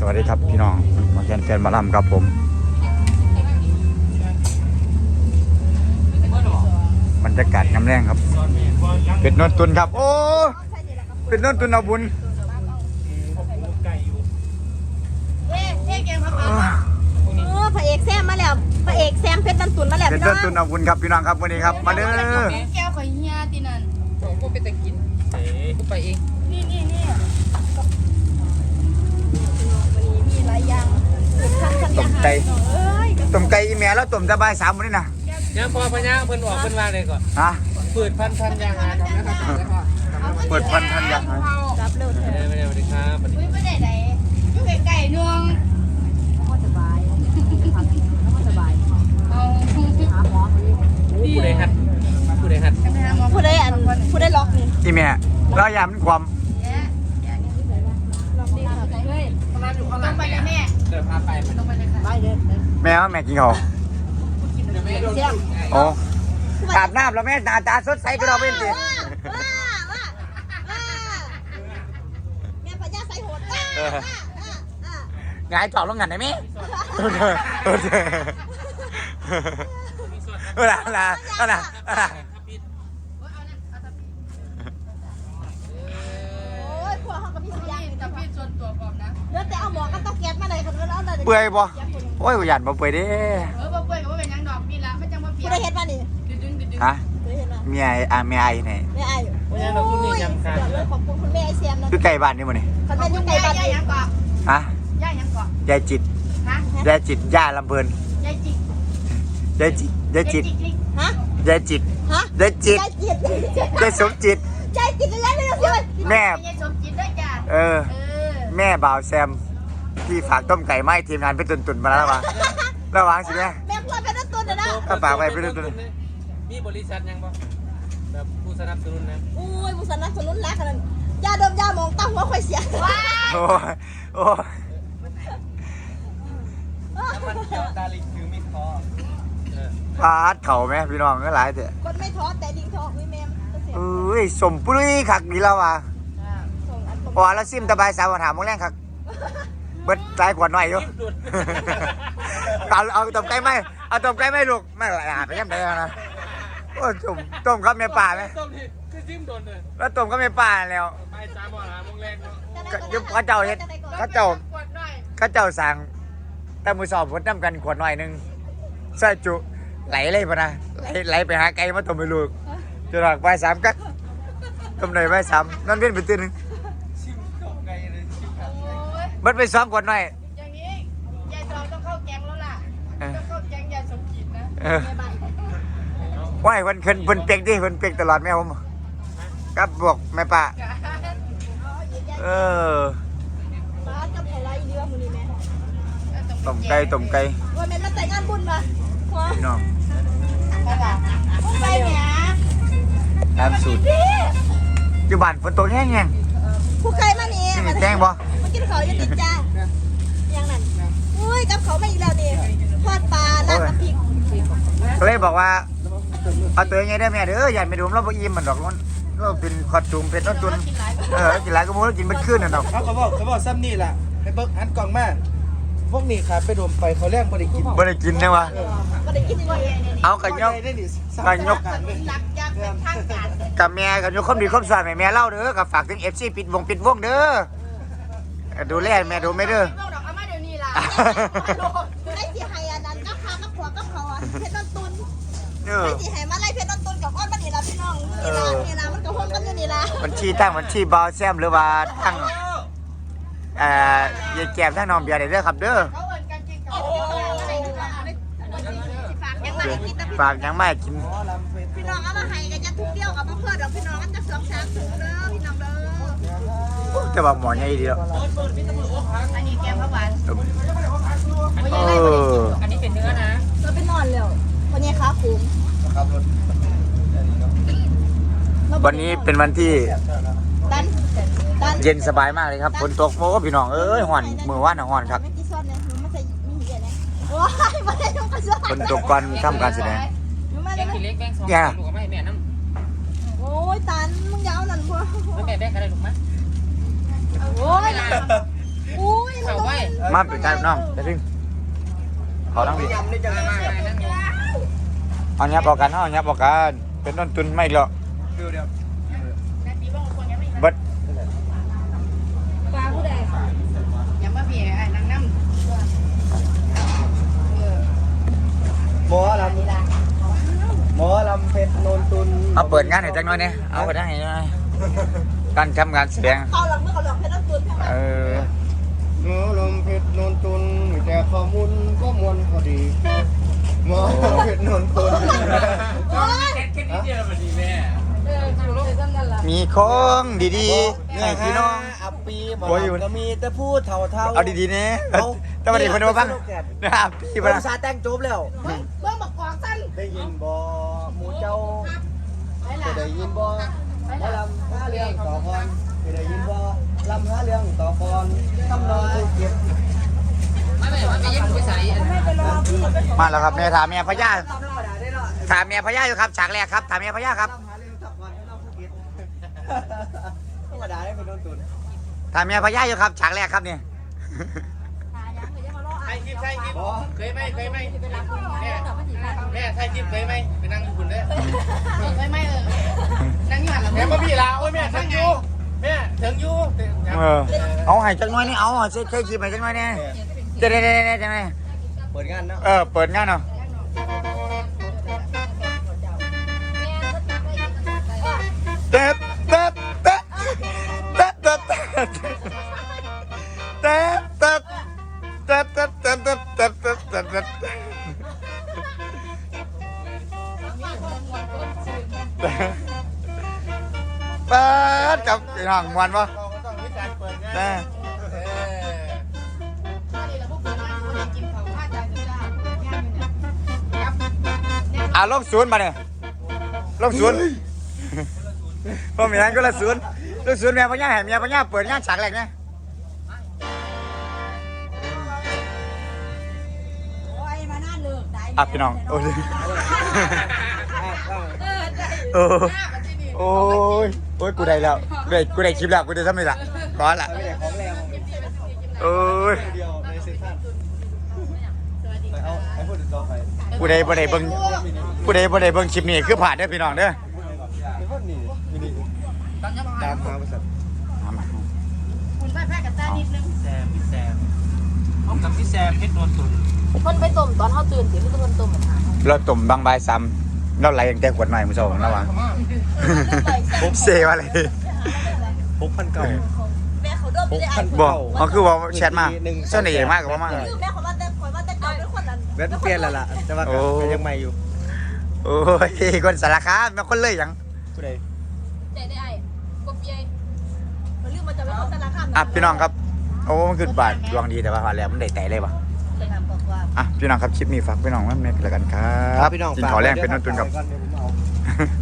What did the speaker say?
วัสดีครับพี่น้องมาแฟนมาล่ำครับผมบรรยากาศกำแรงครับเป็ดนนตุนครับโอ้เป็ดนนตุนเอาบุญพระเอกแซมมาแล้วพระเอกแซมเพชรนนตุนมาแล้วเป็ดนนตุนเอาบุญครับพี่น้องครับวันนี้ครับมาเด้อแก้วข่อยเฮียตีนั่นกูไปแต่กินกูไปเองนี่มีหลายอย่างต้มไก่อีแม่แล้วต้มสบาย3มื้อนี่นะยังพอปัญญาเพิ่นออกเพิ่นว่าเลยก่อนฮะเปิดพันยางหาครับนะครับเปิดพันยางหารับเร็วเถอะไม่ได้สวัสดีครับไม่ได้ไหนอยู่ไก่นวงสบายเอาหาหมอผู้ใดหัดผู้ใดล็อกนี่อีแม่เราอย่ามันความต้องไปเลยแม่เดี๋ยวพาไปต้องไปเลยค่ะไปเลยแม่ว่าแม่กินเขาโอ้อาบน้ำแล้วแม่หน้าตาสดใสก็เราเป็นสิแม่พญาไสโหดงายจอบลงงันได้ไหมเวลาพวกเขากับพี่สุริยะกับพี่ส่วนตัวพร้อมนะเดี๋ยวแต่เอาหมอก็ต้องแก๊สมาเลยคนก็เอาเลยเปื่อยบ่โอ้ยหยันบ่เปื่อยดิบ่เปื่อยก็บ่เป็นยังดอกนี่ละไม่จังว่าเปียกผู้ใดเฮ็ดมานี่ฮะเมียเมียไอ้ไหนแม่ไอ้วันนี้เราคุณนี่ยำกันขอบคุณคุณแม่ไอ้แซมนะคือไก่บ้านนี่มั้นี่คันแม่อยู่ไก่บ้านนี่ยังเกาะฮะย่ายังเกาะยายจิตฮะยายจิตย่าลำเพลินยายจิตฮะยายจิตฮะยายจิตยายสมจิตยายจิตแล้วเนี่ยแม่ยายสมจิตด้วยจ้ะแม่บ่าวแซมที่ฝากต้มไก่ไม้ทีมงานไปตุนมาแล้วมาระวังสิแม่พูดเป็นตุนนะถ้าฝากไปเป็นตุนมีบริษัทยังบ่แบบผู้สนับสนุนนะอุ้ยผู้สนับสนุนรักกันยาดมยามองตั้งหัวค่อยเสียโอ้มันเกี่ยวตาลิงคือมีคอพาดเข่าไหมพี่น้องก็หลายเถอะคนไม่ท้อแต่ลิงท้อวิแมมสมปุ้ยขักนี่แล้วว่ะพอแล้วซิมตะบายสาวถามมึงแรงขักเบิดใจกว่าหน่อยอยู่เอาต้มไก่ไหมเอาต้มไก่ไหมลูกไม่หลาไปยังไงนะโอ้ต้มก็ไม่ป่าไหมต้มที่คือจิ้มโดนเลยแล้วต้มก็ไม่ป่าแล้วไปสามหมอหาโมงแรงยุบข้าเจ้าเฮ็ดข้าเจ้าสั่งแต่มือสอบผลน้ำกันขวดหน่อยนึงใส่จุไหลเลยปะนะไหลไปหาไก่มาต้มไปลูกจะหลักไป3กักต้มหน่อยไป3นั่นเป็นไปตื่นนึงมันไป2ขวดหน่อยอย่างนี้ยายจอต้องเข้าแกงแล้วล่ะต้องเข้าแกงยายสมจิตนะว่ายวันคืนเพิ่นเปียกดิเพิ่นเปียกตลอดแม่ผมครับบอกแม่ป้าป้าจะอะไรดีวะมื้อนี้แม่ต้มไก่ว่าแม่มาแต่งงานบุญมาพี่น้องไปแหมตามสูตรอยู่บ้านฝนตกแห้งผู้ใครมานี่มาแจ้งบ่มากินเขาอยู่ติดจ้าอย่างนั้นอุ้ยกับเขาไม่อีกแล้วนี่ทอดปลาลาบน้ำพริกก็เลยบอกว่าเอาตัวยังไงได้แม่เด้ออย่าไปดูเราบ่อิ่มมันดอกมันเราเป็นคอดจุ่มเป็นต้นตุนกินหลายก็บ่กินเป็นคืนน่ะดอกเขาบอกซ้ำนี่ล่ะให้เบิกหันกล่องมาพวกนี้ขาไปดมไปเขาแรกบ่ได้กินนะวะบ่ได้กินเลยเอากันยกกับแม่กันยกความดีความสวยแม่เล่าเด้อกับฝากถึง FC ปิดวงเด้อดูแลแม่ดูไม่เด้อได้สิให้อันนั้นกับข้าวกับผัวกับเขาเพชรต้นตุนได้สิให้มาไล่เพชรต้นตุนกับอ้อนมันนี่ล่ะพี่น้องนี่ล่ะมันก็ห่วงกันอยู่นี่ล่ะบัญชีบาวแซมหรือว่าทั้งยายแก้มทั้งน้องเบียร์ได้เด้อครับเด้อฝากยังไม่กินพี่น้องเอามาให้กันจะทุกเดียวกับมาเพื่อนเราพี่น้องกันจะ2-3ถุงเด้อพี่น้องเด้อจะบอกหมอใหญ่ดีแล้วอันนี้แกงข้าวหวานอันนี้เป็นเนื้อนะเราไปนอนแล้ววันนี้ขาคุ้มวันนี้เป็นวันที่เย็นสบายมากเลยครับฝนตกโอ้พี่น้องห่อนมือว่านห่อนครับฝนตกก่อนทำการแสดงแบงค์เล็กแบงค์2ลูกไม่แม่น้ำโอ้ยตันมึงยาวนั่นพวกไม่แม่แบงค์อะไรลูกมั้ยโอ้ยเขาไว้มาเป็นใจน้องไปถึงขอน้องพี่ยำนี่จะมาเอาเนี้ยบอกกันเอาเนี้ยบอกกันเป็นต้นทุนไม่หรอกเดี๋ยวบัดปลาผู้ใดอย่ามาเบียไอ้นางน้หมอลำเพชรโนนตุนเอาเปิดงานให้จังหน่อยเนี่ยเอาไปได้ไงการทำงานแสดงเขาหลังเมื่อเขาหลังเพชรต้นตุนเออหมอลำเพชรโนนตุนมีแต่ข้อมูลก็มวลพอดีหมอลำเพชรโนนตุนโอ้ยมีของดีๆให้พี่น้องอัปปีหมอโอ้ยอยู่ลำก็มีแต่พูดเท่าเอาดีๆเนี่ยแต่วันนี้คนมาบ้างนะครับพี่ๆบ้าภาษาแต่งจบแล้วเบิ่งบักกอกสั้นได้ยินบ่หมูเจ้าจะได้ยินบ่หมอลำห้าเรื่องต่อก่อนจะได้ยินบ่ลำห้าเรื่องต่อก่อนทำนองภูเก็ตมาแล้วครับแม่ถามแม่พญาถามแม่พญาอยู่ครับฉากแรกครับถามแม่พญาครับลำห้าเรื่องต่อก่อนทำนองภูเก็ตธรรมดาได้เป็นโนนตุนถามแม่พญาอยู่ครับฉากแรกครับเนี่ยใครคลิปใครคลิปบ่เคยไหมเคยไหมแม่ใครคลิปเคยไหมไปนั่งอยู่คุณเด้อำไม่นั่งอยู่หันหลังแม่มาพี่ลาโอ้ยแม่ถึงอยู่แม่ถึงอยู่เออเอาให้จังหน่อยนี่เอาใช้คลิปให้จังหน่อยเนี่ยจะได้จังไงเปิดงานเนาะเปิดงานเนาะเต๊ะเต๊ะเต๊ะเต๊ะเต๊ะเต๊ะเต๊ะเต๊ะเต๊ะเต๊ะเต๊ะเต๊ะเต๊ะเต๊ะเต๊ะเต๊ะเปิดกับห้องมวนปะเราก็ต้องมีการเปิดงานนะ ลบศูนย์มาเนี่ยลบศูนย์พอมีงั้นก็ละศูนย์ลบศูนย์แม่พญาแห่เมียพญาเปิดงานฉากแรกเนี่ยโอ้ยมาหน้าเลิกได้อ่ะพี่น้องโอ้ยโอ้ยโอ้ยกูได้แล้วกูได้คลิปแล้วกูได้ทำไมล่ะร้อนละไม่ได้ของแรงโอ้ยเดียวในเซ็นทรัลเอาให้พูดถึงต่อไปกูได้บ่ได้เบิ่งกูได้บ่ได้เบิ่งคลิปนี้คือผ่านเด้อพี่น้องเด้อไม่พูดนี่มินิตามมาบริษัทมาคุณไปแพร่กับตานิดนึงแซมพี่แซมพบกับพี่แซมเพชรนวลตุนคนไปต้มตอนเขาตื่นสิคือคนต้มเหมือนกันเราตุ่มบางใบซ้ำเราไหลตั้งแต่ขวดใหม่มื้อเช้าแล้ววะเซว่าอะไร 6,900 แม่เขาโดนไปได้ไอ้บอกเขาคือว่าแชทมาเส้นใหญ่มากกว่ามาคือแม่เขาว่าแต่ข่อยว่าแต่เก่าเป็นคนนั้นเว็บเปลี่ยนแล้วล่ะแต่ว่าก็ยังใหม่อยู่โอ้ยคนสารคามมาคนเลยยังผู้ใดใจได้ไอ้กบใหญ่เขาลืมมาจะเป็นคนแต่ละคำอ่ะพี่น้องครับโอ้มันคือบาทดวงดีแต่ว่าพอแล้วมันได้แต่เลยปะเลยครับบอกว่าอ่ะพี่น้องครับคลิปนี้ฝากพี่น้องไว้ในกันแล้วกันครับพี่น้องกินขอแรงเป็นต้นทุนกับก่อนเดี๋ยวผมเอา